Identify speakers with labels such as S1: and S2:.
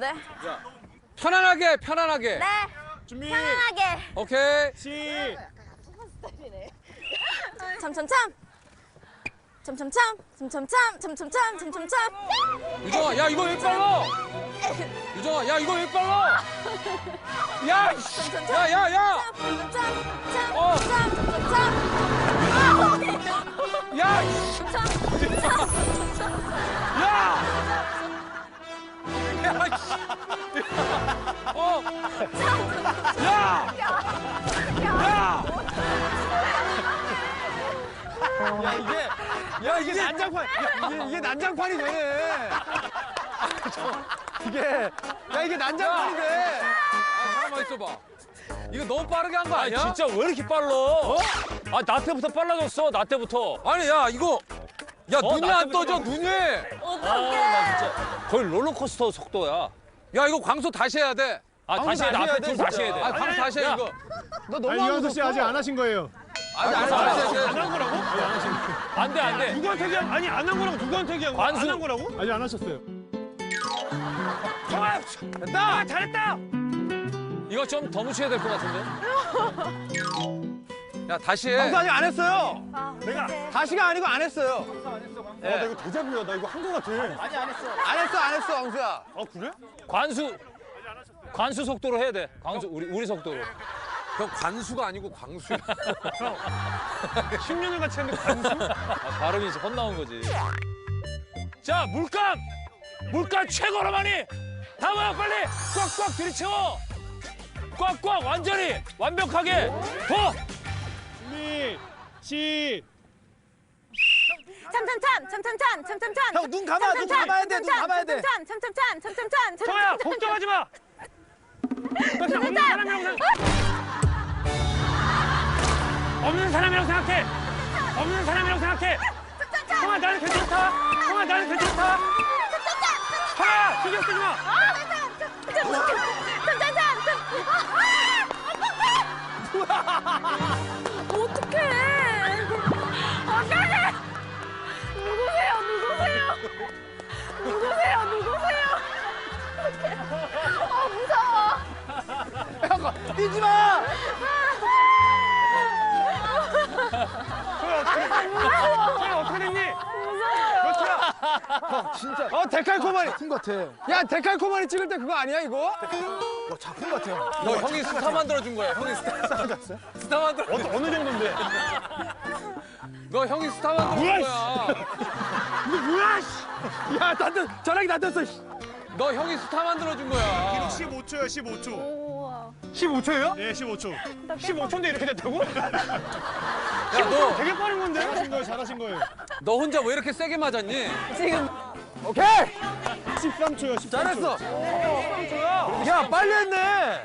S1: 네.
S2: 편안하게.
S1: 네.
S3: 준비.
S1: 편안하게.
S2: 오케이.
S3: 시.
S1: 참참참. 참참참. 참참참. 참참참. 참참참.
S2: 유정아, 야 이거 왜 빨라? 유정아, 야 이거 왜 빨라? 야, 씨. 야.
S1: 참참참.
S2: 어.
S1: 참참참.
S2: 야, 씨. 야. 야, 씨. 어. 야. 야.
S3: 야 이게 난장판. 이게 난장판이 되네. 이게 난장판이 돼.
S2: 가만 있어봐. 이거 너무 빠르게 한 거
S4: 아니
S2: 아니야?
S4: 진짜 왜 이렇게 빨라? 아 나 때부터 빨라졌어. 나 때부터.
S2: 아니 야 이거 야 눈이
S4: 나
S2: 안 떠져 눈이.
S4: 나 진짜 거의 롤러코스터 속도야.
S2: 야 이거 광수 다시 해야 돼.
S4: 아 다시 해. 나 앞에 둘 다시 해야 돼.
S2: 아 광수 다시 해
S4: 야,
S2: 이거.
S3: 너 너무
S5: 이현수 씨 아직 안 하신 거예요.
S2: 아니 안 해.
S3: 안한 거라고?
S4: 안 돼, 안 돼.
S3: 누구한테 얘기한? 아니 안 한 거라고 누구한테 얘기한 거야?
S4: 관수.
S3: 안한 거라고?
S5: 아직 안 하셨어요.
S3: 정아! 됐다! 잘했다!
S4: 이거 좀 더 묻혀야 될 것 같은데?
S2: 야 다시 해.
S3: 광수 아직 안 했어요.
S1: 내가
S3: 다시가 아니고 안 했어요.
S5: 나 이거 대자뷰야. 나 이거 한 거 같아.
S3: 안 했어, 광수야.
S5: 아 그래?
S4: 관수 속도로 해야 돼. 관수 우리 속도로.
S2: 형 관수가 아니고 광수야.
S3: 10년을 같이 했는데 광수?
S4: 아, 발음이 이제 헛나온 거지. 자, 물감 최고로 많이 담아요, 빨리. 꽉꽉 들이채워. 꽉꽉 완전히 완벽하게 더.
S5: 준비. 시.
S1: 참참참. 참참참. 참참참.
S3: 형, 눈 감아, 눈 감아야 돼, 눈 감아야 돼.
S1: 참참참. 참참참.
S3: 정아야, 걱정하지 마. 없는 사람이라고 생각해. 없는 사람이라고 생각해. 정아, 나는 괜찮다. 정아, 나는 괜찮다. 정아, 신경 쓰지 마.
S1: 어떡해. 어떡해. 누구세요? 무서워.
S3: 뛰지 마. 정아, 어떻게 됐니? 몇 초야? 진짜. 데칼코마니.
S5: 큰 것 같아.
S3: 야, 데칼코마니 찍을 때 그거 아니야, 이거?
S5: 작품 같아요.
S2: 너 형이 스타 만들어 준 거야. 형이 스타 만들어.
S3: 어느 정도인데?
S2: 너 형이 스타 만들어 준 거야.
S3: 이거 뭐야, 씨. 야, 전화기 다 떴어, 씨.
S2: 너 형이 스타 만들어 준 거야.
S5: 15초요. 15초.
S1: 우와.
S3: 15초예요?
S5: 네, 15초.
S3: 15초인데 이렇게 됐다고?
S2: 야 너
S3: 되게 빠른 건데?
S5: 잘하신 거예요. 잘하신 거예요.
S2: 너 혼자 왜 이렇게 세게 맞았니?
S1: 지금
S3: 오케이!
S5: 13초요. 13초.
S3: 잘했어. 야, 빨리 했네.